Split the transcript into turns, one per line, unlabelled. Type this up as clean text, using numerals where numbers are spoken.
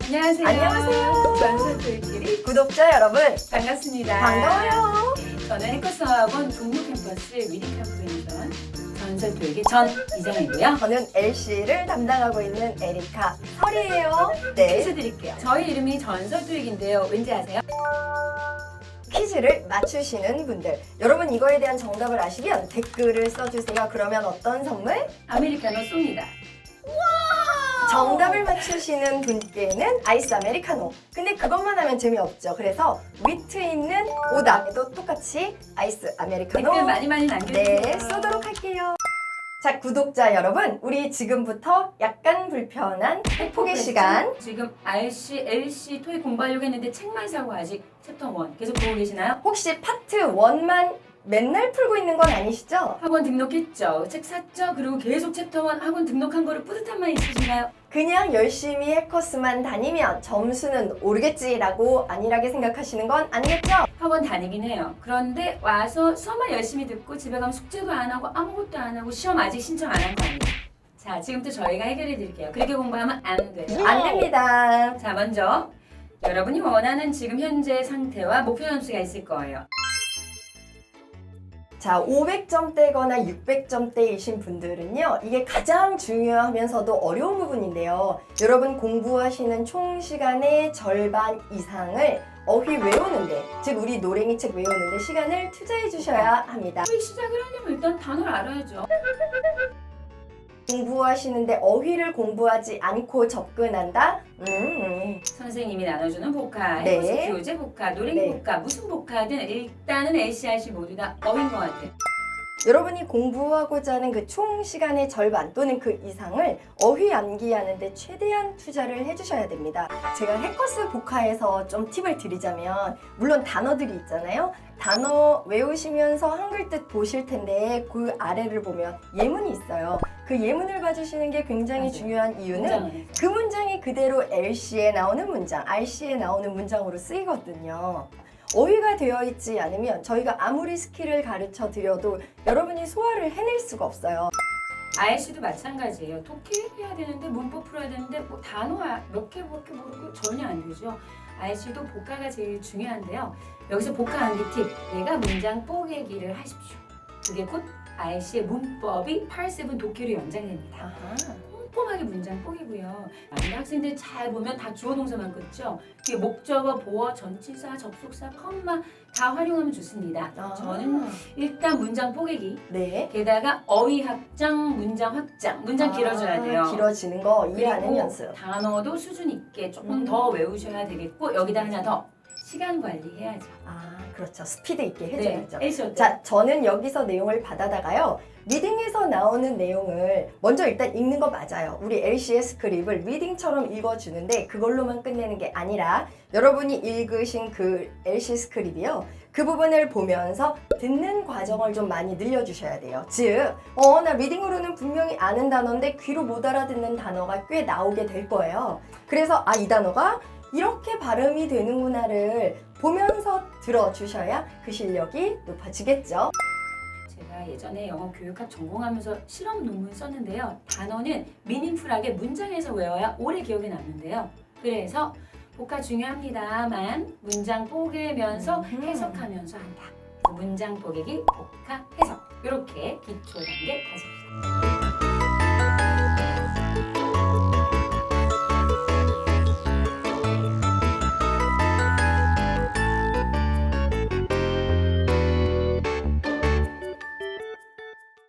안녕하세요.
안녕하세요.
전설토익끼리
구독자 여러분
반갑습니다.
반가워요.
저는 해커스학원 동료 캠퍼스 위디카프레이션 전설토익의 전 이정이고요.
저는 LC를 담당하고 있는 에리카 설이에요. 네,
퀴즈 드릴게요. 저희 이름이 전설토익인데요. 왠지 아세요?
퀴즈를 맞추시는 분들 여러분 이거에 대한 정답을 아시면 댓글을 써주세요. 그러면 어떤 선물?
아메리카노 쏩니다.
정답을 맞추시는 분께는 아이스 아메리카노. 근데 그것만 하면 재미없죠. 그래서 위트 있는 오답에도 똑같이 아이스 아메리카노
댓글 많이 남겨주세요.
네, 쏘도록 할게요. 자, 구독자 여러분, 우리 지금부터 약간 불편한 회폭의 시간.
지금 RC, LC 토익 공부하려고 했는데 책만 사고 아직 챕터 1 계속 보고 계시나요?
혹시 파트 1만 맨날 풀고 있는 건 아니시죠?
학원 등록했죠. 책 샀죠. 그리고 계속 챕터 1 학원 등록한 거를 뿌듯함만 있으신가요?
그냥 열심히 해커스만 다니면 점수는 오르겠지라고 안일하게 생각하시는 건 아니겠죠?
학원 다니긴 해요. 그런데 와서 수업만 열심히 듣고 집에 가면 숙제도 안 하고 아무것도 안 하고 시험 아직 신청 안 한 거 아니에요? 자, 지금부터 저희가 해결해 드릴게요. 그렇게 공부하면 안 돼요.
안 됩니다.
자, 먼저 여러분이 원하는 지금 현재 상태와 목표 점수가 있을 거예요.
자, 500점대거나 600점대이신 분들은요, 이게 가장 중요하면서도 어려운 부분인데요. 여러분 공부하시는 총 시간의 절반 이상을 어휘 외우는데, 즉 우리 노랭이 책 외우는데 시간을 투자해 주셔야 합니다.
토익 시작을 하려면 일단 단어를 알아야죠.
공부하시는데 어휘를 공부하지 않고 접근한다?
선생님이 나눠주는 복화,
네.
해보스 교재 복화, 노랭이
네.
복화, 무슨 복화든 일단은 LCRC 모두 다 어인 것 같아요.
여러분이 공부하고자 하는 그 총 시간의 절반 또는 그 이상을 어휘 암기하는데 최대한 투자를 해주셔야 됩니다. 제가 해커스 복화에서 좀 팁을 드리자면, 물론 단어들이 있잖아요. 단어 외우시면서 한글 뜻 보실 텐데 그 아래를 보면 예문이 있어요. 그 예문을 봐주시는 게 굉장히
맞아요.
중요한 이유는
문장을.
그 문장이 그대로 LC에 나오는 문장, RC에 나오는 문장으로 쓰이거든요. 어휘가 되어 있지 않으면 저희가 아무리 스킬을 가르쳐 드려도 여러분이 소화를 해낼 수가 없어요.
RC도 마찬가지예요. 독해해야 되는데 문법 풀어야 되는데 뭐 단어 몇 개 모르고 전혀 안 되죠. RC도 복화가 제일 중요한데요. 여기서 복화 암기 팁. 내가 문장 뽀개기를 하십시오. 그게 곧 RC의 문법이 8-7 독해로 연장됩니다.
아하.
꼼꼼하게 문장 뽀개고요. 많은 학생들 잘 보면 다 주어 동사만 끊죠. 뒤에 목적어, 보어, 전치사, 접속사, 컴마 다 활용하면 좋습니다. 저는 일단 문장 뽀개기.
네.
게다가 어휘 확장, 문장 확장. 문장 길어져야 돼요.
길어지는 거 이해하는
그리고
연습.
단어도 수준 있게 조금 더 외우셔야 되겠고 여기다 하나 더 시간 관리해야죠.
아, 그렇죠. 스피드 있게 해줘야죠.
LC 어때요?
자, 저는 여기서 내용을 받아다가요. 리딩에서 나오는 내용을 먼저 일단 읽는 거 맞아요. 우리 LC의 스크립을 리딩처럼 읽어주는데 그걸로만 끝내는 게 아니라 여러분이 읽으신 그 LC 스크립이요. 그 부분을 보면서 듣는 과정을 좀 많이 늘려주셔야 돼요. 즉, 나 리딩으로는 분명히 아는 단어인데 귀로 못 알아듣는 단어가 꽤 나오게 될 거예요. 그래서 이 단어가 이렇게 발음이 되는구나를 보면서 들어주셔야 그 실력이 높아지겠죠.
제가 예전에 영어 교육학 전공하면서 실험 논문 썼는데요. 단어는 미닝풀하게 문장에서 외워야 오래 기억에 남는데요. 그래서 복화 중요합니다만 문장 뽀개면서 해석하면서 한다. 문장 뽀개기, 복화, 해석 이렇게 기초 단계 가집시다.